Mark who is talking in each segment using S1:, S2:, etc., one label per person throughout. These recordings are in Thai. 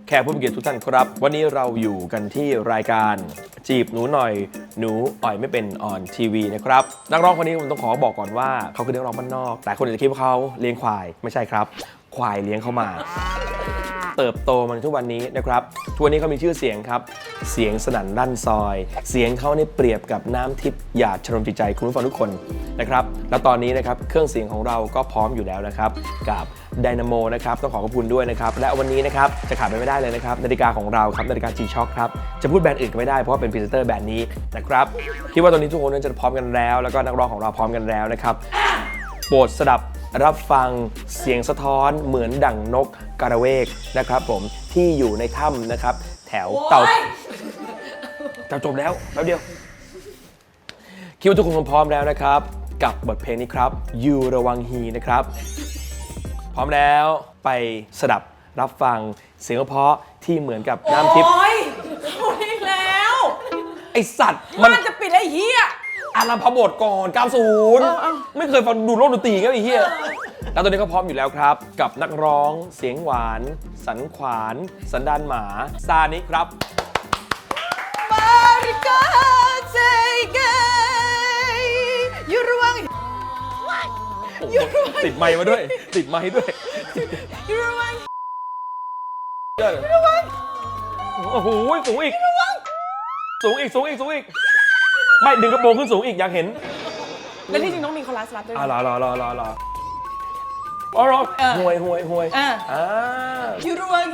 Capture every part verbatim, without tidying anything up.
S1: แขกผู้มีเกียรติทุกท่านครับวันนี้เราอยู่กันที่รายการจีบหนูหน่อยหนูอ่อยไม่เป็นออนทีวีนะครับนักร้องคนนี้ผมต้องขอบอกก่อนว่าเขาคือนักร้องบ้านนอกแต่คนอื่นจะคิดว่าเขาเลี้ยงควายไม่ใช่ครับควายเลี้ยงเขามาเติบโตมาทุกวันนี้นะครับทุกวันนี้เขามีชื่อเสียงครับเสียงสนั่นลั่นซอยเสียงเขาเนี่ยเปรียบกับน้ำทิพย์หยาดชโลมจิตใจคุณผู้ฟังทุกคนนะครับแล้วตอนนี้นะครับเครื่องเสียงของเราก็พร้อมอยู่แล้วนะครับกับไดนาโมนะครับต้องขอขอบคุณด้วยนะครับและวันนี้นะครับจะขาดไปไม่ได้เลยนะครับนาฬิกาของเราครับนาฬิกา G-Shock ครับจะพูดแบรนด์อื่นก็ไม่ได้เพราะว่าเป็นพรีเซนเตอร์แบรนด์นี้นะครับคิดว่าตอนนี้ทุกคนนั้นจะพร้อมกันแล้วแล้วก็นักร้องของเราพร้อมกันแล้วนะครับโปรดสดับรับฟังเสียงสะท้อนเหมือนดั่งนกกระเวกนะครับผมที่อยู่ในถ้ำนะครับแถวเต่าจะจบแล้วแป๊บเดียวคิดว่าทุกคนพร้อมแล้วนะครับกับบทเพลงนี้ครับยูระวังฮีนะครับพร้อมแล้วไปสดับรับฟังเสียงเพราะที่เหมือนกับน้ำทิพย์
S2: โอ้ยเขาอีกแล้ว
S1: ไอสัตว์
S2: มั
S1: มัน
S2: นจะปิดไอ้เหี้ย
S1: อารัมพบทก่อนเก้าสิบไม่เคยฟังดูโลกดนตรีก็ไอ้เหี้ยแล้วตอนนี้ก็พร้อมอยู่แล้วครับกับนักร้องเสียงหวานสันขวานสันดานหมาซานิครับ
S2: มาริกาเซเกยูระวังยูระวัง
S1: ติดไมค์มาด้วยติดไมค์ด้วย
S2: ยูระวัง
S1: ยูระวังโอ้โหสูงอีกสูงอีกสูงอีกสูงอีกไม่ดึงกระโปรงขึ้นสูงอีกอยากเห็น
S2: แล้วที่จริงต้องมีคอรัสรับด้วย
S1: อ่ารอรอรอรอรออ๋อรอห่วยห่วยห่วย
S2: อ่า
S1: อ่า
S2: ยูระวัง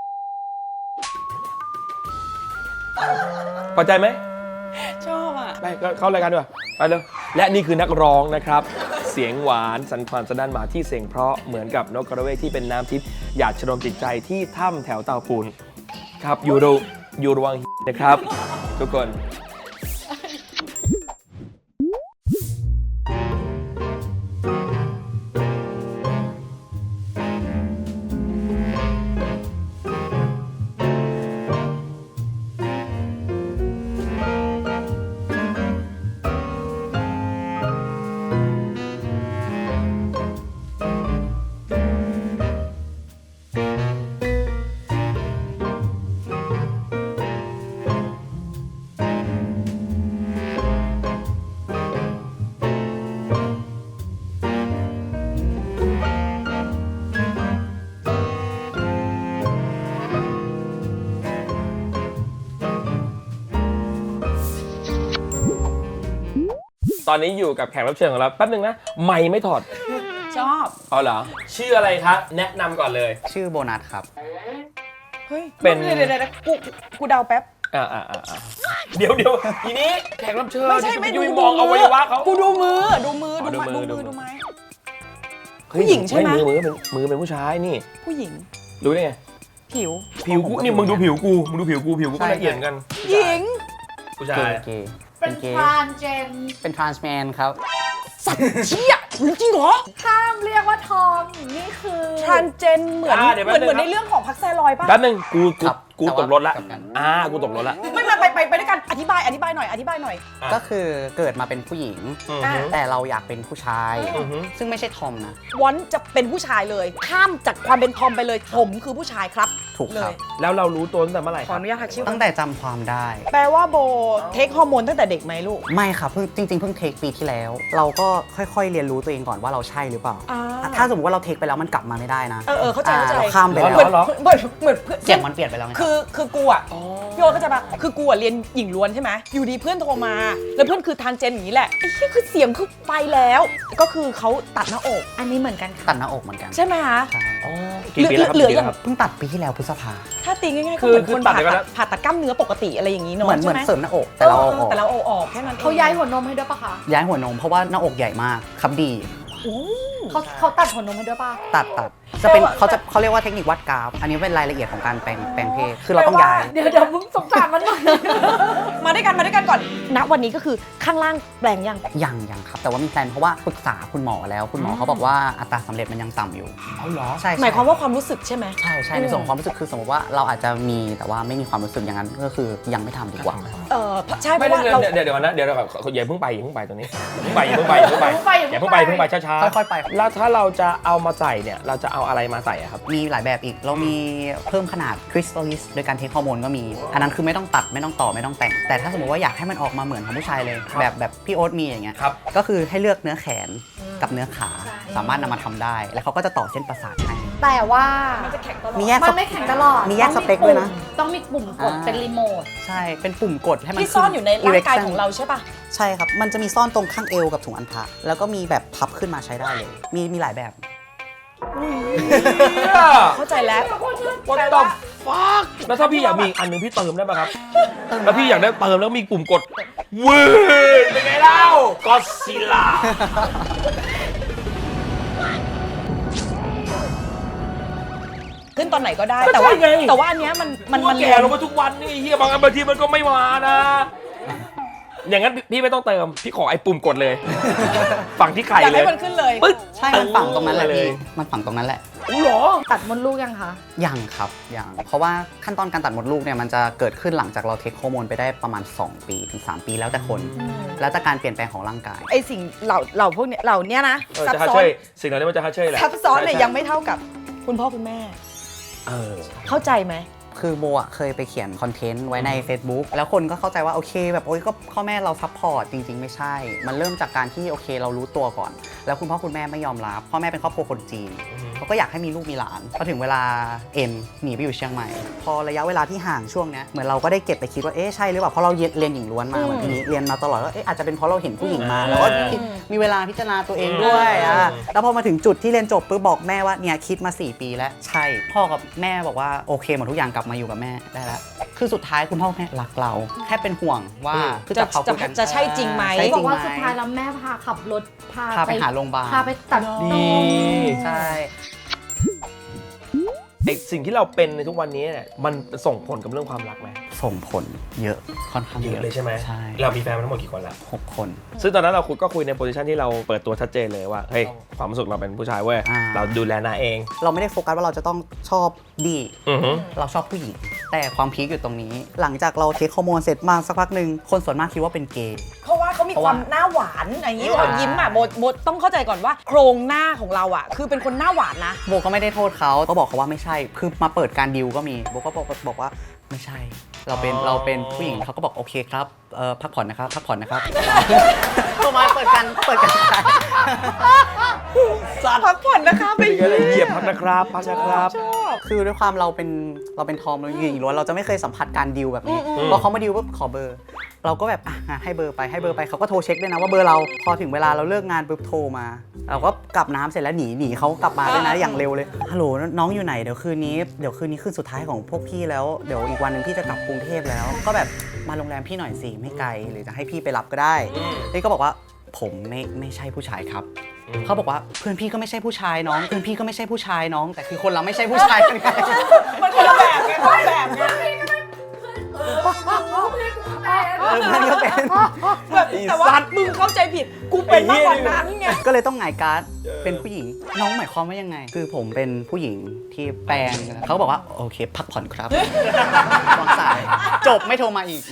S1: พอใจไหม
S2: ชอบอ่ะ
S1: ไปเข้ารายการดีกว่าไปเลยและนี่คือนักร้องนะครับเสียงหวานสันขวานสะด้านหมาที่เสียงเพราะเหมือนกับนกกระเวกที่เป็นน้ำทิพย์หยาดชโลมจิตใจที่ถ้ำแถวเตาปูนครับยูโรยูระวังนะครับทุกคนตอนนี้อยู่กับแขกรับเชิญของเราแป๊บนึงนะไม่ไม่ถอด
S2: ชอบ
S1: เอาเหรอชื่ออะไรคะแนะนำก่อนเลย
S3: ชื่อโบนัสครับ
S2: เฮ้ย
S1: เป็น
S2: เดี๋ยวเดี๋ยวเดี๋ยวกูกูเดาแป๊บ
S1: อ่าอ่าอ่าเดี๋ยวเดี๋ยวทีนี้แขกรับเชิญ
S2: ไม่ใช่ไม่
S1: ยุ
S2: ดู
S1: ยมองอวัยวะเขา
S2: กูดูมือดูมือ
S1: อ๋อ
S2: ดู
S1: ดูมื
S2: มื
S1: อ
S2: อดูมือ
S1: ดูมือ
S2: ดูไม้
S1: เฮ้ย
S2: ผู้หญิงใช่ไหม
S1: มือมือเป็นมือเป็นผู้ชายนี่
S2: ผู้หญิง
S1: รู้ได้ไง
S2: ผิว
S1: ผิวกูนี่มึงดูผิวกูมึงดูผิวกูผิวกูก็
S3: ใช่
S1: ละเอียดกัน
S2: หญิง
S1: ผู้
S3: เก
S1: ชาย
S3: ย์เกย์
S4: เป็น
S3: เกย์
S4: ทรานเจน
S3: เป็นทรานส์แมนครับ
S2: สัตว์เชี่ยจริงเหรอ
S4: ห้ามเรียกว่าทอม นี่คือ
S2: ทรานเจนเหมือนเหมือนเหมือนในเรื่องของพักแซลอยป่ะ
S1: แป๊บนึงกูกู
S3: ครับ
S1: กู
S3: แต่ว่า
S1: ตกรถละ
S3: กลับกัน
S1: อ่ากูตกรถละ
S2: ไม่มาไปไปไปด้วยกันอธิบายอธิบายหน่อยอธิบายหน่อย
S1: อ่ะ
S3: ก็คือเกิดมาเป็นผู้หญิง
S1: อือ
S2: อ่ะ
S1: ฮึ
S3: แต่เราอยากเป็นผู้ชาย
S1: อือฮึ
S3: ซึ่งไม่ใช่ทอมนะ
S2: วอนจะเป็นผู้ชายเลย ข้ามจากความเป็นทอมไปเลยผมคือผู้ชายครับ
S3: ถูก
S2: เล
S3: ครับ
S2: ย
S1: แล้วเรารู้ตัวตั้งแต่เมื่อไหร่
S2: ข
S1: ค
S2: อ
S1: รับ
S2: อนุญาตทักชื่อ
S3: ตั้งแต่จำความได้
S2: แปลว่าโบเทคฮอร์โมนตั้งแต่เด็กไหมลูก
S3: ไม่ครับเพิ่งจริง ๆ เพิ่งเทคปีที่แล้ว เราก็ค่อยๆเรียนรู้ตัวเองก่อนว่าเราใช่หรือเปล่า
S2: อ่า
S3: ถ้าสมมติว่าเราเทคไปแล้วมันกลับมาไม่ได้นะ
S2: เออเออเข้าใจเข้าใจ
S3: เราข้ามไป
S1: เหร
S3: แล้
S1: อ
S3: ว
S1: เหรอ
S2: เหมือนเหมือนเพื่อน
S3: เสียงมันเปลี่ยนไปแล้วไง
S2: คือคือกูอ่ะพี่โอ๊ตเข้าใจปะคือกูอ่ะเรียนหญิงล้วนใช่ไหมอยู่ดีเพื่อนโทรมา แล้วเพื่อนคือทานเจนอย่างนี้แหละไอ้เหี้ยคือเสียงคือไปแล้ว ก็คือเขาตัดหน้าอก
S4: อันนี้เหมือนกันค่ะ
S3: ตัดหน้าอกเหมือนกัน
S2: ใช่ไหมคะ
S3: ใช่
S1: อ๋อกี่ปีแล้วครับ
S2: เหลือ
S1: กี่ปีแล้วครับ
S3: เพิ่งตัดปีที่แล้วพฤษภา
S2: ถ้าตีง่ายๆ
S1: คื
S2: ก็
S1: อ
S2: เหมือน
S1: คื
S2: ค
S1: อน ตัด
S2: ผ่า
S1: ไป
S2: ตั
S1: แล้
S2: ด
S1: ว
S2: ผ่าตัดกล้ามเนื้อปกติอะไรอย่างนี้เนาะ
S3: เหมือนเห
S2: ใช่
S3: มือน
S2: ไหม
S3: เสริมหน้าอกแต่เราเอาออก
S2: แต่เราเอาออกแค่นั้น
S4: เขาย้ายหัวนมให้ด้วยปะคะ
S3: ย้ายหัวนมเพราะว่าหน้าอกใหญ่มากครับดี
S2: โอ้
S4: เขาเขาตัดหัวนมให้ด้วยปะ
S3: ตัดตัดจะเป็นเขาจะเขาเรียกว่าเทคนิควัดกราฟ อันนี้เป็นรายละเอียดของการแปลงแปลงเพศคือเราต้องย้าย
S4: เดี๋ยวเดี๋ยวมึงสงสารมันหน่อย
S2: มาด้วยกันมาด้วยกันก่อนณวันนี้ก็คือข้างล่างแปลงยัง
S3: ยังยังครับ แต่ว่ามีแพลนเพราะว่าปรึกษาคุณหมอแล้วคุณหมอเขาบอกว่าอัตราสำเร็จมันยังต่ำอยู่
S1: เอาเหรอ
S3: ใช่ใช่
S2: หมายความว่าความรู้สึกใช่ไหม
S3: ใช่ใช่ในส่วนของความรู้สึกคือสมมติว่าเราอาจจะมีแต่ว่าไม่มีความรู้สึกอย่างนั้นก็คือยังไม่ทำดีกว่า
S2: เเออใช่เพ
S1: ไม่
S2: ราะ
S1: ได้
S2: ว่า
S1: เดี๋ยว
S2: เรา
S1: เดี๋ยวเดี๋ยวนะเดี๋ยวเราอย่าเพิ่งไปอย่าเพิ่งไปตรงนี้อย่าเพิ่งไปอย่าเพิ่งไปอย่าเพิ่งไปอย่าเพิ่งไปเพิ่งไปช้า
S3: ค่อยๆไป
S1: ๆแล้วถ้าเราจะเอามาใส่เนี่ยเราจะเอาอะไรมาใส่อะครับ
S3: มีหลายแบบอีก เรามีเพิ่มขนาดคริสตัลลิสโดยการเทคฮอร์โมนก็มี อันนั้นคือไม่ต้องตัดไม่ต้องต่อไม่ต้องแต่ง แต่ถ้าสมมติว่าอยากให้มันออกมาเหมือนของผู้ชายเลย
S1: ครับ
S3: แบบแบบพี่โอ๊ตมีอย่างเงี้ย
S1: ครับ
S3: ก็คือให้เลือกเนื้อแขนกับเนื้อขา สามารถนำมาทำได้ แล้วเขาก็จะต่อเส้นประสาทให้
S4: แต่ว่า
S2: มันจะแข็งตลอด
S3: มีแยก
S4: มันไม่แข็งตลอด
S3: มีแยกสเปคด้วยนะ
S4: ต้องมีปุ่มกด
S3: อ่า
S4: เป็นรีโมท
S3: ใช่ เป็นปุ่มกดให้มัน
S2: ที่ซ่อนอยู่ในร่างกาย
S3: erection
S2: ของเราใช่ปะ
S3: ใช่ครับ มันจะมีซ่อนตรงข้างเอวกับถุงอัณฑะแล้วก็มีแบบพับขึ้นมาใช้ได้เลย มีมีหลายแบบ
S2: เข้าใจแล้ว
S1: What the fuck แล้วถ้าพี่อยากมีอีกอันหนึงพี่เติมได้ป่ะครับ แล้วพี่อยากได้เติมแล้วมีปุ่มกดวืดเป็นไงเล่าก็ซิล่า
S2: ขึ้นตอนไหนก็ได้
S1: ก็
S2: แต่ว่า
S1: ใช่ไง
S2: แต่ว่าอันเนี้ยมันมัน
S1: มั
S2: มัน น
S1: แก่ลงมาทุกวันนี่เฮียบางอันบางทีมันก็ไม่มานะ อย่างนั้นพี่ไม่ต้องเติมพี่ขอไอ้ปุ่มกดเลย ฝั่งที่ไข่
S2: อยาก
S1: เล
S2: ให้
S1: ย
S2: มันขึ้นเลย
S1: ปึ๊ด
S3: ใช่ มันฝังตรงนั้นแหละ
S1: เลย
S3: พี่มันฝังตรงนั้นแหละ
S1: อู้หรอ
S4: ตัดมดลูกยังคะ
S3: ยังครับยังเพราะว่าขั้นตอนการตัดมดลูกเนี่ยมันจะเกิดขึ้นหลังจากเราเทคฮอร์โมนไปได้ประมาณ สอง ปีถึง สาม ปีแล้วแต่คน แล้วแต่การเปลี่ยนแปลงของร่างกาย
S2: ไอสิ่งเหล่าเหล่าพวกเนี้ยเหล่าเนี้ยนะ
S1: เออ
S2: ซับ
S1: จะฮัท
S2: ซ้อ
S1: เช
S2: น
S1: ยสิ่งเหล่านี้มันจะฮัทเชยแหละ
S2: ซับซ้อนเนี่ย
S1: ใช่
S2: ยังไม่เท่ากับคุณพ่อคุณแม่
S1: เออ
S2: เข้าใจไหม
S3: คือโมอ่ะเคยไปเขียนคอนเทนต์ไว้ใน Facebook แล้วคนก็เข้าใจว่าโอเคแบบโอ๊ยก็พ่อแม่เราซัพพอร์ตจริง ๆ ไม่ใช่ มันเริ่มจากการที่โอเคเรารู้ตัวก่อน แล้วคุณพ่อคุณแม่ไม่ยอมรับพ่อแม่เป็นครอบครัวคนจีน
S1: อือฮึ
S3: เขาก็อยากให้มีลูกมีหลานพอถึงเวลาเอ็นหนีไปอยู่เชียงใหม่ พอระยะเวลาที่ห่างช่วงเนี้ยเหมือนเราก็ได้เก็บไปคิดว่าเอ๊ะใช่หรือเปล่าเพราะเราเรียนเรียนหญิงล้วนมาเหมือนนี้เรียนมาตลอดว่าเอ๊ะอาจจะเป็นเพราะเราเห็นผู้หญิงมาแล้วก็คิดมีเวลาพิจารณาตัวเองด้วยอ่ะแล้วพอมาถึงจุดที่เรียนจบปุ๊บบอกแม่ว่าเนี่ยคิดมาสี่ปีแล้วใช่พ่อกับแม่บอกว่าโอเคหมดทุกอย่างกลับมาอยู่กับแม่ได้แล้วคือสุดท้ายคุณพ่อคุณแม่รักเราแค่เป็นห่วงว่าคือ
S2: จะ
S3: จะเขาคุยกัน
S2: จะใช่จริงไหม
S3: ใช่
S4: บ
S3: จ
S4: อ
S3: ริ
S4: ก
S3: ง
S4: ว่า
S3: ไหม
S4: สุดท้ายแล้วแม่พาขับรถพา
S3: พาไปหาโรงพยาบาล
S4: พาไปตัด
S1: ดี
S4: นม
S3: ใช่
S1: ไอสิ่งที่เราเป็นในทุกวันนี้เนี่ยมันส่งผลกับเรื่องความรักไหม
S3: ส่งผลเยอะค่อนข้าง
S1: เย
S3: เย
S1: อะ
S3: อะ
S1: เลยใช่ไหม
S3: ใช่
S1: เรามีแฟนมาทั้งหมดกี่คนแล้ว
S3: หกคน
S1: ซึ่งตอนนั้นเราคุยก็คุยในโพสิชันที่เราเปิดตัวชัดเจนเลยว่าเฮ้ยความรู้สึกเราเป็นผู้ชายเว้ย
S3: อ่า
S1: เราดูแลนาเอง
S3: เราไม่ได้โฟกัสว่าเราจะต้องชอบดี
S1: อือฮึ
S3: เราชอบผู้หญิง แต่ความพีคอยู่ตรงนี้ หลังจากเราเทคฮอร์โมนเสร็จมาสักพักหนึ่งคนส่วนมากคิดว่าเป็นเกย์
S2: เพราะว่าเขามี
S3: เพราะ
S2: ค
S3: ว่า
S2: วามหน้าหวานอย่างนี้
S3: ใช่
S2: เรายิ้มอ่ะโบโบต้องเข้าใจก่อนว่า โครงหน้าของเราอ่ะ คือเป็นคนหน้าหวานนะ
S3: โบก็ไม่ได้โทษเขาก็บอกเขาว่าไม่ใช่ คือมาเปิดการดิวก็มีโบก็บอกบอกว่าไม่ใช่ เราเป็นเราเป็นผู้หญิงเขาก็บอกโอเคครับเอ่อพักผ่อนนะครับพักผ่อนนะครับเขามาเปิดการเปิดการ
S2: พักผ่อนนะคะไป
S1: เป็นไงล่ะเหยียบพักนะครับพักนะครับ
S2: ชอบ
S3: คือด้วยความเราเป็นเราเป็นทอมเราหญิงล้วนเราจะไม่เคยสัมผัสการดิวแบบนี้
S2: อืม
S3: พอเขามาดิวปุ๊บขอเบอร์ เราก็แบบอ่ะงั้นให้เบอร์ไปให้เบอร์ไปเขาก็โทรเช็คด้วยนะว่าเบอร์เราพอถึงเวลาเราเลิกงานปุ๊บโทรมา เราก็กลับน้ำเสร็จแล้วหนีหนีเขากลับมาด้วยนะอย่างเร็วเลยฮัลโหลน้องอยู่ไหนเดี๋ยวคืนนี้เดี๋ยวคืนนี้คืนสุดท้ายของพวกพี่แล้วเดี๋ยวอีกวันหนึ่งพี่จะกลับกรุงเทพแล้ว ก็แบบมาโรงแรมพี่หน่อยสิไม่ไกลหรือจะให้พี่ไปรับก็ได้นี่ก็บอกว่าผมไม่ไม่ใช่ผู้ชายครับ เขาบอกว่าเพื่อนพี่ก็ไม่ใช่ผู้ชายน้องเพื่อนพี่ก็ไม่ใช่ผู้ชายน้อง แต่คือคนเราไม่ใช่ผู้ชายกันไง
S2: มันคนละแบบไงคนละแบบไง
S3: เออเพื่อนก็เป็น
S2: แบบแต่ว่ามึงเข้าใจผิด กูเป็นมากกว่านั้นไง
S3: ก็เลยต้องหงายการ์ดเป็นผู้หญิงน้องหมายความว่ายังไง คือผมเป็นผู้หญิงที่แปลงเขาบอกว่าโอเค พักผ่อนครับวางสายจบไม่โทรมาอีก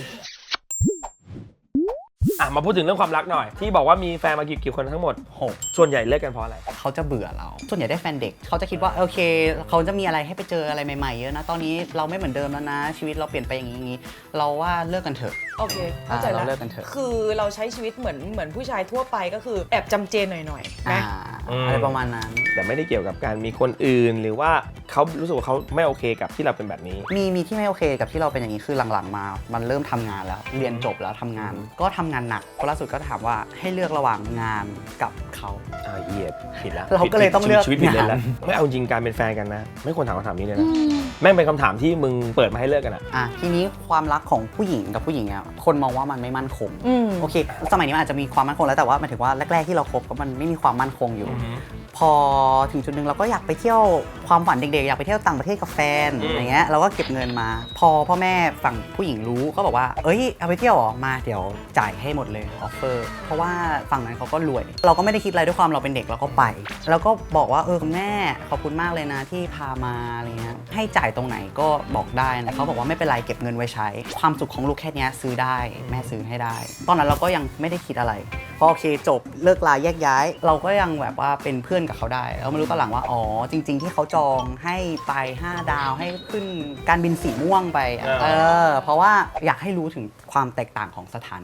S1: อ่ะมาพูดถึงเรื่องความรักหน่อย ที่บอกว่ามีแฟนมากี่กี่คนทั้งหมด
S3: หก
S1: ส่วนใหญ่เลิกกันเพราะอะไร
S3: เขาจะเบื่อเรา ส่วนใหญ่ได้แฟนเด็ก เขาจะคิดว่าโอเค เขาจะมีอะไรให้ไปเจออะไรใหม่ๆเยอะนะ ตอนนี้เราไม่เหมือนเดิมแล้วนะ ชีวิตเราเปลี่ยนไปอย่างนี้อย่างนี้ เราว่าเลิกกันเถอะ
S2: โอเค เข้าใจ
S3: อ่าเรา
S2: แล้ว
S3: เลิกกันเถอะ
S2: คือเราใช้ชีวิตเหมือนเหมือนผู้ชายทั่วไปก็คือแอบจำเจนหน่อยๆ
S3: อ่า
S2: นะ
S1: อืม
S3: อะไรประมาณนั้น
S1: แต่ไม่ได้เกี่ยวกับการมีคนอื่น หรือว่าเขารู้สึกว่าเขาไม่โอเคกับที่เราเป็นแบบนี้
S3: มีมีที่ไม่โอเคกับที่เราเป็นอย่างนี้คือหลังๆมา มันเริ่มทำงานแล้ว เรียนจบแล้วทำงาน ก็ทำงานหนักเพราะล่าสุดก็ถามว่าให้เลือกระหว่างงานกับเขา
S1: อ่าเหยียบผิดแล้ว
S3: เราก็เลยต้องเลือก
S1: ชีวิตผิดเลยแล้ว
S3: งาน
S1: ไม่เอาจริงการเป็นแฟนกันนะ ไม่ควรถามคำถามนี้เลยนะแม่งเป็นคำถามที่มึงเปิดมาให้เลิกกันอ่ะ
S3: อ่ะทีนี้ความรักของผู้หญิงกับผู้หญิงอ่ะคนมองว่ามันไม่มั่นคง
S2: อืม
S3: โอเค สมัยนี้มันอาจจะมีความมั่นคงแล้วแต่ว่าหมายถึงว่าแรกๆที่เราคบก็มันไม่มีความมั่นคงอยู่ พอถึงจุดหนึ่งเราก็อยากไปเที่ยวความฝันเด็กอยากไปเที่ยวต่างประเทศกับแฟน
S1: อืม
S3: อย่างเงี้ยเราก็เก็บเงินมา พอพ่อแม่ฝั่งผู้หญิงรู้ก็บอกว่าเอ้ยเอาไปเที่ยวเหรอมาเดี๋ยวจ่ายให้หมดเลยออฟเฟอร์เพราะว่าฝั่งนั้นเขาก็รวย เราก็ไม่ได้คิดอะไรด้วยความเราเป็นเด็กเราก็ไป แล้วก็บอกว่าเออแม่ขอบคุณมากเลยนะที่พามาอะไรเงี้ยให้จ่ายตรงไหนก็บอกได้นะเขาบอกว่าไม่เป็นไรเก็บเงินไว้ใช้ความสุขของลูกแค่เนี้ยซื้อได้แม่ซื้อให้ได้ ตอนนั้นเราก็ยังไม่ได้คิดอะไรพอโอเคจบเลิกลาแยกย้าย เราก็ยังแบบว่าเป็นเพื่อนกับเขาได้แล้วมารู้ตอนหลังว่าอ๋อจริง ๆ ที่เขาจองให้ไปห้าดาวให้ขึ้นการบินสีม่วงไปอะ
S1: อ่า
S3: เออเพราะว่าอยากให้รู้ถึงความแตกต่างของสถานะ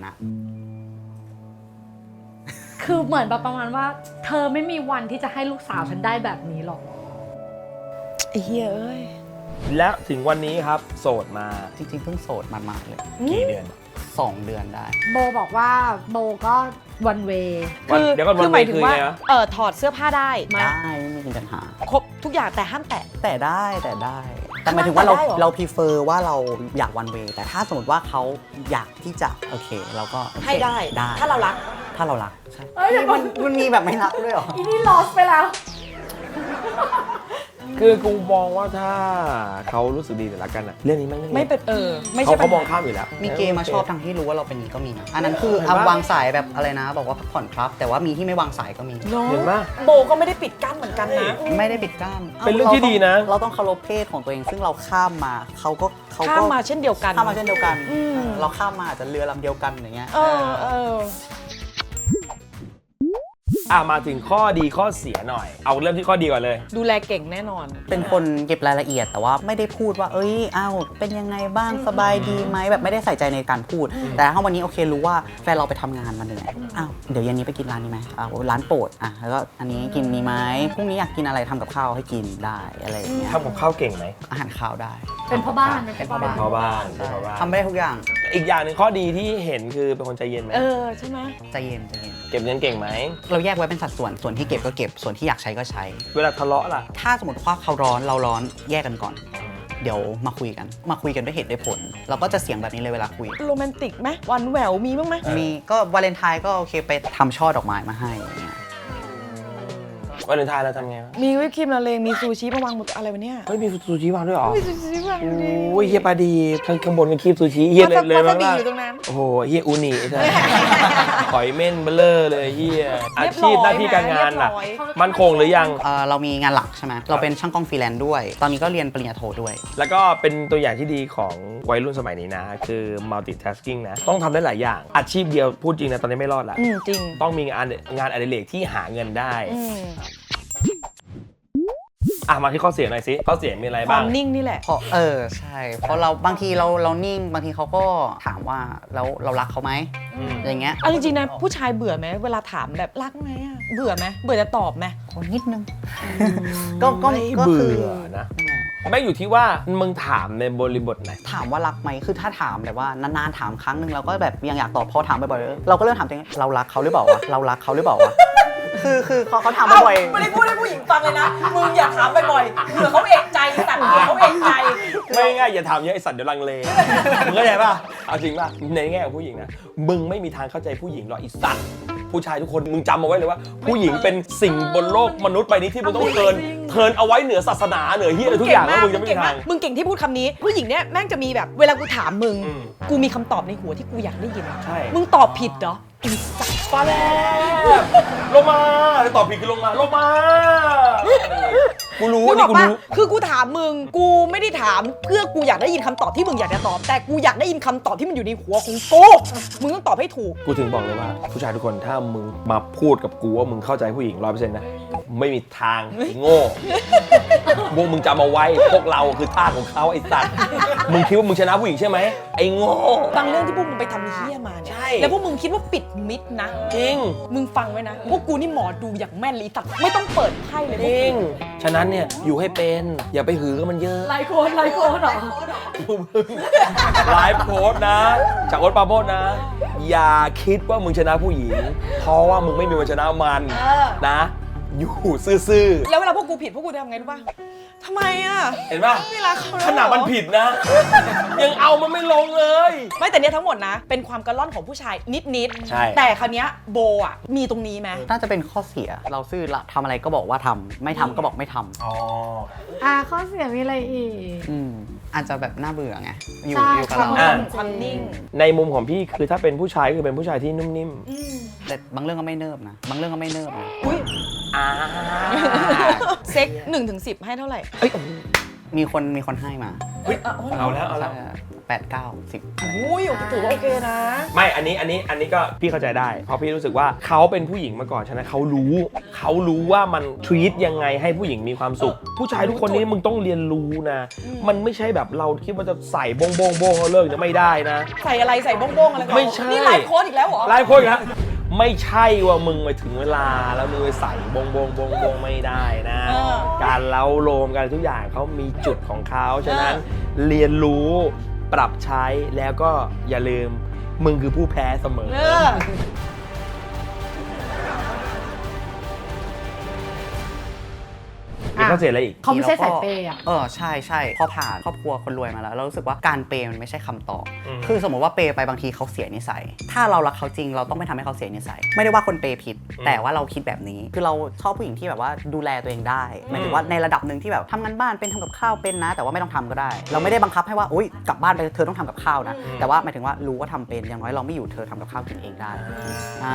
S4: คือเหมือนแบบประมาณว่า เธอไม่มีวันที่จะให้ลูกสาวฉันได้แบบนี้หรอก
S2: ไอ้เฮียเอ้ย
S1: และถึงวันนี้ครับโสดมา
S3: จริงๆเพิ่งโสดมาๆเลย
S1: กี่เดือน
S3: สองเดือนได้
S4: โบบอกว่าโบก็วันเว
S1: วัน
S2: คือ
S1: เดี๋ยวก่อน
S2: คื
S1: วัน
S2: หมายถึง
S1: คือ
S2: ว่า
S1: ไงวะ
S2: เออถอดเสื้อผ้าได้มา
S3: ได้ไม่มีปัญหา
S2: ครบทุกอย่างแต่ห้ามแตะ
S3: แต่ได้แต่ได้ แต่หมายถึงว่าเรา
S2: ได้เหรอ
S3: เราพ r เฟอร์ว่าเราอยากวันเวแต่ถ้าสมมติว่าเขาอยากที่จะโอเคเราก็โอเค
S2: ให้ได้
S3: ได้
S2: ถ้าเรารัก
S3: ถ้าเรารักใช่
S4: เอ้ยเดี๋ยวก่
S3: มั
S4: อน
S3: นมันมีแบบไม่รักด้วยเหรอ
S4: อีนี่ลอสไปแล้ว
S1: คือกูมองว่าถ้าเขารู้สึกดีแต่ละกันอะเรื่องนี้แม่ง
S2: ไม่เป็นเออ ไม่
S1: เขา
S2: ใช่
S1: เขามอง
S2: ปัญห
S1: ข้ามอยู่แล้ว
S3: มีเกย์มาชอบทั้งที่รู้ว่าเราเป็นนี้ก็มีนะอันนั้นคือ
S1: เห็น
S3: เอา
S1: ปะ
S3: วางสายแบบอะไรนะ บอกว่าพักผ่อนครับ แต่ว่ามีที่ไม่วางสายก็มี
S2: เนาะ
S1: เห็นปะ
S2: โบก็ไม่ได้ปิดกั้นเหมือนกันนะ
S3: ไม่ได้ปิดกั้น
S1: เป็นเรื่องที่ดีนะ
S3: เราต้องเคารพเพศของตัวเอง ซึ่งเราข้ามมาเขาก็เขา
S2: ข้า
S3: ก็
S2: มมาเช่นเดียวกัน
S3: ข้ามมาเช่นเดียวกัน
S2: อืม
S3: เราข้ามมาอาจจะเรือลำเดียวกันอย่างเงี้ย
S2: เออเออ
S1: อ่ะมาถึงข้อดีข้อเสียหน่อย เอาเริ่มที่ข้อดีก่อนเลย
S2: ดูแลเก่งแน่นอน
S3: เป็นคนเก็บรายละเอียดแต่ว่าไม่ได้พูดว่า เอ้ยอ้าวเป็นยังไงบ้างสบายดีไหมแบบไม่ได้ใส่ใจในการพูด แต่ถ้าวันนี้โอเครู้ว่าแฟนเราไปทำงานมาเหนื่อยอ้าวเดี๋ยวเย็นนี้ไปกินร้านนี้ไหมอ้าวร้านโปรดอ่ะแล้วก็อันนี้กินนี้ไหมพรุ่งนี้อยากกินอะไรทำกับข้าวให้กินได้อะไรอย่างเงี้ย
S1: ทำกับข้าวเก่งไหม
S3: อาหารข้าวได้
S4: เป็นพ่อบ้าน
S3: เป็นพ่อบ้าน
S1: พ่อบ้านเป็นพ่อบ้าน
S3: ทำได้ทุกอย่าง
S1: อีกอย่างหนึ่งข้อดีที่เห็นคือเป็นคนใจเย็นไหม
S2: เออ ใช่ไหม
S3: ใจเย็นใจเย็น
S1: เก็บเงินเก่งไหม
S3: เราแยกไว้เป็นสัดส่วนส่วนที่เก็บก็เก็บส่วนที่อยากใช้ก็ใช้
S1: เวลาทะเลาะล่ะ
S3: ถ้าสมมติว่าเขาร้อนเราร้อนแยกกันก่อน เดี๋ยวมาคุยกัน มาคุยกันด้วยเหตุด้วยผล เราก็จะเสียงแบบนี้เลยเวลาคุย
S2: โรแมนติกไหมหวันแหววมีบ้างไหม
S3: มีก็วาเลนไทน์ก็โอเคไปทำช่อดอกไม้มาให้อย่างเงี้ย
S1: วันเลนไทน์เราทำไงวะ
S2: มีวิปครีมละเลงมีซูชิมาวางบนอะไรวะเนี่ย
S1: เฮ้ยมีซูชิวางด้วยเหรอ
S2: มีซูชิวางอยู่ดิ
S1: โอ้ยเฮียปลาดีข้างข้างบนเป็นครีมซูชิเฮียเลยเลย
S2: วาซา
S1: มา
S2: บิ
S1: ก
S2: อยู่ตรงนั้น
S1: โอ้โหเฮียอูนิใช่หอยเม่นเบลเลอร์เลยเฮียอา
S2: เรียบร้
S1: ชี
S2: อย
S1: พหน้าที่การงานล่ะ
S2: เรียบร้อย
S1: มั่นคงหรือยัง
S3: เอ่อเรามีงานหลักใช่ไหมเราเป็นช่างกล้องฟรีแลนซ์ด้วย ตอนนี้ก็เรียนปริญญาโทด้วย
S1: แล้วก็เป็นตัวอย่างที่ดีของวัยรุ่นสมัยนี้นะ คือ multitasking นะ ต้องทำได้หลายอย่าง อาชีพเดียวพูดจริงนะ ตอนนี้ไม่รอดละ
S2: อืมจริง
S1: ต้องมีงานงานอดิเรกที่หาเงินได้
S2: อืม
S1: อ่ะ มาที่ข้อเสียหน่อยสิ ข้อเสียมีอะไร
S2: ควา
S1: บ้าง
S2: มนิ่งนี่แหละ
S3: เพราะเออใช่ เพราะเราบางทีเราเรานิ่งบางทีเขาก็ถามว่าแล้วเรารักเขาไหม
S1: อืม
S3: อย่างเงี้ย
S2: เอาจริงๆนะผู้ชายเบื่อไหมเวลาถามแบบรักไหมอะเบื่อไหมเบื่อจะตอบไหม
S3: คนนิดนึง ก็ก็
S1: ไม่
S3: ก็คือ
S1: เบื่อนะ ไม่อยู่ที่ว่ามึงถามในบริบทไหน
S3: ถามว่ารักไหมคือถ้าถามแบบว่านานๆถามครั้งหนึ่งเราก็แบบยังอยากตอบพอถามบ่อยๆเราก็เริ่มถามตัวเองเรารักเขาหรือเปล่าวะเรารักเขาหรือเปล่าวะคือคือเขาเขาถามบ่อยๆ
S2: ไม่ได้พูดให้ผู้หญิงฟังเลยนะ มึงอย่าถามบ่อยๆเผื่อเขาเอกใจแต่เผื่อเขาเอกใจ
S1: ไม่ง่ายอย่าถามเยอะไอสัตว์เดี๋ยวลังเล มึงเข้าใจป่ะ เอาจริงป่ะ ในแง่ของผู้หญิงนะ มึงไม่มีทางเข้าใจผู้หญิงหรอกไอสัตว์ ผู้ชายทุกคนมึงจำเอาไว้เลยว่า ผู้หญิงเป็นสิ่งบนโลกมนุษย์ใบนี้ที่มึงต้องเทิร์นเทิร์นเอาไว้เหนือศาสนาเหนือเฮียอะไรทุกอย่างแล้วมึงจะไม่
S2: เก่
S1: มี
S2: ง
S1: ทาง
S2: มึงเก่งที่พูดคำนี้ ผู้หญิงเนี่ยแม่งจะมีแบบเวลากูถามมึง
S1: อืม
S2: กูมีคำตอบในหัวที่กูอยากได้ยิน
S1: ใช่
S2: มึงตอบผิดเหรอไอ้สัส
S1: ปลาแล้วลงมาตอบผิดคือลงมาลงมา กูรู้
S2: นึ
S1: อั
S2: ก
S1: น
S2: อ
S1: นี้
S2: อก
S1: กู
S2: ปะ
S1: รู้
S2: คือกูถามมึง กูไม่ได้ถามเพื่อกูอยากได้ยินคำตอบที่มึงอยากจะตอบ แต่กูอยากได้ยินคำตอบที่มันอยู่ในหัวของกูมึงต้องตอบให้ถูก
S1: กูถึงบอกเลยว่า ผู้ชายทุกคนถ้ามึงมาพูดกับกูว่ามึงเข้าใจผู้หญิงร้อยเปอร์เซ็นต์นะไม่มีทางไอ้โง่พวกมึงจำเอาไว้พวกเราคือทาสของเขาไอ้สัตว์มึงคิดว่ามึงชนะผู้หญิงใช่ไหมไอ้โง่
S2: บางเรื่องที่พวกมึงไปทำเฮี้ยมาเนี่ย
S1: ใช่
S2: แล้วพวกมึงคิดว่าปิดมิดนะ
S1: จริง
S2: มึงฟังไว้นะ พวกกูนี่หมอดูอย่างแม่นเลยตัดไม่ต้องเปิดไพ่เลย
S1: จริงฉะนั้นเนี่ยอยู่ให้เป็นอย่าไปหือกับมันเยอะ
S4: ไลโคนไลโคนเหรอ
S1: ไลฟ์โค้ดนะ จากโอ๊ตปราโมชนะ อย่าคิดว่ามึงชนะผู้หญิง เพราะว่ามึงไม่มีวันชนะมันนะอยู่ซื่อ
S2: แล้วเวลาพวกกูผิดพวกกูจะทำไงรู้ป่ะทำไมอ่ะ
S1: ๆเห็นป่ะ
S2: ไม่รักเขาแล้ว
S1: ขนาดมันผิดนะ ยังเอามันไม่ลงเลย
S2: ไม่แต่เนี้ยทั้งหมดนะ เป็นความกระล่อนของผู้ชายนิดๆ
S1: ใช่
S2: แต่คราวเนี้ยโบอ่ะมีตรงนี้ไหม
S3: น่าจะเป็นข้อเสียเราซื่อละทำอะไรก็บอกว่าทำไม่ทำก็บอกไม่ทำ
S1: อ๋อ
S4: อ่าข้อเสียมีอะไรอีก
S3: อืมอาจจะแบบน่าเบื่อไงอยู่
S4: ใช่
S3: อยู่กับ
S4: ค่ะ
S3: เรา
S1: อ่ะ
S2: ความนิ่ง
S1: ในมุมของพี่คือถ้าเป็นผู้ชายก็คือเป็นผู้ชายที่นุ่มนิ่ม
S3: แต่บางเรื่องก็ไม่เนิบนะบางเรื่องก็ไม่เนิบนะ
S2: อุ้ย
S1: อ่า
S2: เซ็กหนึ่งถึงสิบให้เท่าไหร่
S1: เอ้ยโอ้โห
S3: มีคนมีคนให้มา
S1: เฮ้ยเอาแล้วเอาแล้ว
S3: แปดเก้าสิบอะไร
S2: อุ้ยถือว่าโอเคนะ
S1: ไม่ อันนี้ อันนี้ อันนี้ก็พี่เข้าใจได้ เพราะพี่รู้สึกว่าเขาเป็นผู้หญิงมาก่อน ฉะนั้นเขารู้ เขารู้ว่ามันทรีตยังไงให้ผู้หญิงมีความสุข ผู้ชายทุกคนนี้มึงต้องเรียนรู้นะ มันไม่ใช่แบบเราคิดว่าจะใส่บงบงบงแล้วเลิกจะไม่ได้นะ
S2: ใส่อะไรใส่บ้งๆอะไรก่อน
S1: ไม่ใช่
S2: นี่ไลฟ์โค้ดอีกแล้วเหรอ
S1: หลายคนนะไม่ใช่ว่ามึงไปถึงเวลาแล้วมึงไปใส่บงบงบงบงไม่ได้นะ
S2: เออ
S1: การเล้าโลมกันทุกอย่างเขามีจุดของเขาฉะนั้นเรียนรู้ปรับใช้แล้วก็อย่าลืมมึงคือผู้แพ้เสมอ
S2: เออ
S1: มีข้อเสียอะไรอีก
S4: เขาไม่ใช่สายเปย์อ่ะ
S3: เออใช่ใช่พอผ่านครอบครัวคนรวยมาแล้วเรารู้สึกว่าการเปย์มันไม่ใช่คำตอบ
S1: อืม
S3: คือสมมติว่าเปย์ไปบางทีเขาเสียนิสัย ถ้าเรารักเขาจริงเราต้องไม่ทำให้เขาเสียนิสัย ไม่ได้ว่าคนเปย์ผิด แต่ว่าเราคิดแบบนี้ คือเราชอบผู้หญิงที่แบบว่าดูแลตัวเองได้หมายถึงว่าในระดับหนึ่งที่แบบทำงานบ้านเป็นทำกับข้าวเป็นนะ แต่ว่าไม่ต้องทำก็ได้ เราไม่ได้บังคับให้ว่าอุ้ยกลับบ้านไปเธอต้องทำกับข้าวนะแต่ว่าหมายถึงว่ารู้ว่าทำเป็นอย่างน้อยเราไม่อยู่เธอทำกับข้าวกินเองได้อ่า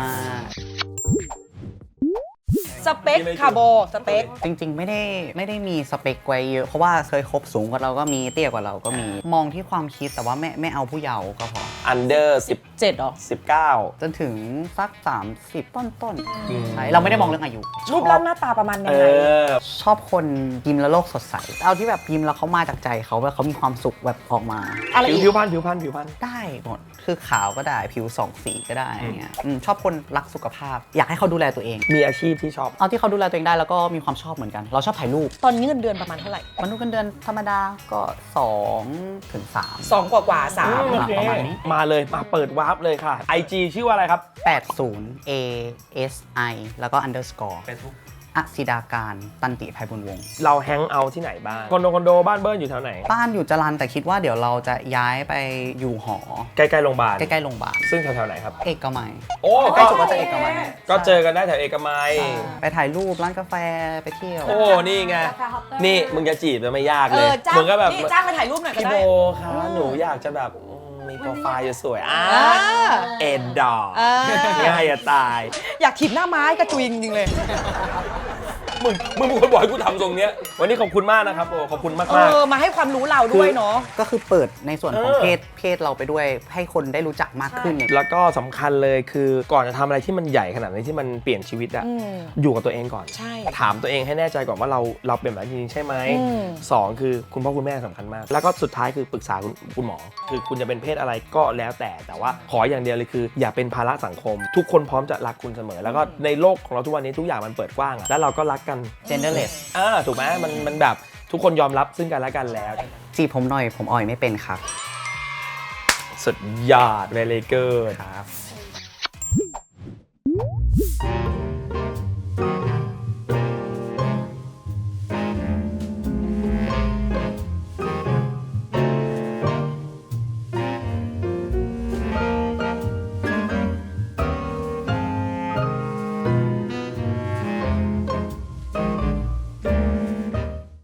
S2: สเปคคาร์โบสเปค
S3: จริงๆ ไม่ได้ไม่ได้มีสเปคไว้เยอะ เพราะว่าเคยคบสูงกว่าเราก็มีเตี้ยกว่าเราก็มีมองที่ความคิดแต่ว่าไม่ไม่เอาผู้เยาว์ก็พอ
S1: อันเดอร์สิบ
S2: เจ็ดหรอ
S1: สิบเก้า
S3: จนถึงสัก สามสิบ ต้นต้นๆ
S1: อืม
S3: ใช่เราไม่ได้มองเรื่องอายุ
S2: รูปร่างหน้าตาประมาณยั
S1: เอง
S2: ไง
S1: อ
S3: ชอบคนยิ้มแล้วโลกสดใส เอาที่แบบยิ้มแล้วเขามาจากใจเขาแบบเขามีความสุขแบบออกมา
S2: อะไร
S1: ผิว
S2: อีก
S1: ผิวพันผิวพันผิวพัน
S3: ได้หมดคือขาวก็ได้ผิวสองสีก็ได้อย่างเงี้ยอืมชอบคนรักสุขภาพ อยากให้เขาดูแลตัวเอง
S1: มีอาชีพที่ชอบ
S3: เอาที่เขาดูแลตัวเองได้แล้วก็มีความชอบเหมือนกัน เราชอบถ่ายรูป
S2: ตอนนี้เงินเดือนประมาณเท่าไหร่
S3: มนุษย์เงินเดือนธรรมดาก็สองถึงสาม
S2: สองกว่ากว่าสาม
S3: โอเคประมาณนี้
S1: มาเลยมาเปิดวาร์ปเลยค่ะ ไอ จี ชื่อว่าอะไรครับ
S3: แปดสิบ A S I แล้วก็ underscore
S1: Facebook
S3: อศิดาการตันติภัยบุญวงศ์
S1: เราแฮงเอาท์ที่ไหนบ้างคอนโดคอนโดบ้านเบิ้ลอยู่แถวไหน
S3: บ้านอยู่จรัญแต่คิดว่าเดี๋ยวเราจะย้ายไปอยู่หอ
S1: ใกล้ๆโรงพยาบาล
S3: ใกล้ๆโรงพยาบาล
S1: ซึ่งแถวๆไหนครับ
S3: เอกมัย
S1: โอ้
S3: ใกล้สุดก็จะเอกมัย
S1: ก็เจอกันได้แถวเอกมัย
S3: ไปถ่ายรูปร้านกาแฟไปเที่ยว
S1: โอ้ นี่ไง นี่มึงจะจีบจะไม่ยาก
S2: เอ
S1: เลย
S2: อจ้าง
S1: มึงก็แบบ
S2: นี่จ้างไปถ่ายรูปหน่อยก็
S1: พี่
S2: ได้
S1: โบคะหนูอยากจะแบบอืมมีโปรไฟล์สวยๆอ่า
S2: อ่า
S1: เอ็นดอร์
S2: อ่า
S1: ง่ายจะตาย
S2: อยากถีบหน้าไม้กระจุยจริงๆเลย
S1: มึง มึงเป็นคนบอกให้กูทำตรงเนี้ย วันนี้ขอบคุณมากนะครับโอ้ขอบคุณมาก
S2: เอ
S1: มาก
S2: อ มาให้ความรู้เราด้วยเนาะ
S3: ก็คือเปิดในส่วนของ
S1: เออ
S3: เพศเพศเราไปด้วยให้คนได้รู้จักมากขึ้นอย่าง
S1: แล้วก็สำคัญเลยคือก่อนจะทำอะไรที่มันใหญ่ขนาดนี้ที่มันเปลี่ยนชีวิตอะ
S2: อืม
S1: อยู่กับตัวเองก่อน
S2: ใช่
S1: ถามตัวเองให้แน่ใจก่อนว่าเราเราเป็นแบบนี้จริงๆใช่ไหม
S2: อืม
S1: สองคือคุณพ่อคุณแม่สำคัญมาก แล้วก็สุดท้ายคือปรึกษาคุณคุณหมอ คือคุณจะเป็นเพศอะไรก็แล้วแต่แต่ว่าขออย่างเดียวเลยคือ อย่าเป็นภาระสังคม ทุกคนพร้อมจะรักคุณเสมอ แล้วก็ในโลกของเราทุกวันนี้ทุกอย่างมันเปิดกว้างอะแล้วเราก็รักกัน
S3: genderless
S1: อ่าถูกไหมมันมันแบบทุกคนยอมรับซึ่งกันและกันแล้ว
S3: จีบผมหน่อยผมอ่อยไม่เป็นครับ
S1: สุดยอดเวเลเกอร์
S3: ครับ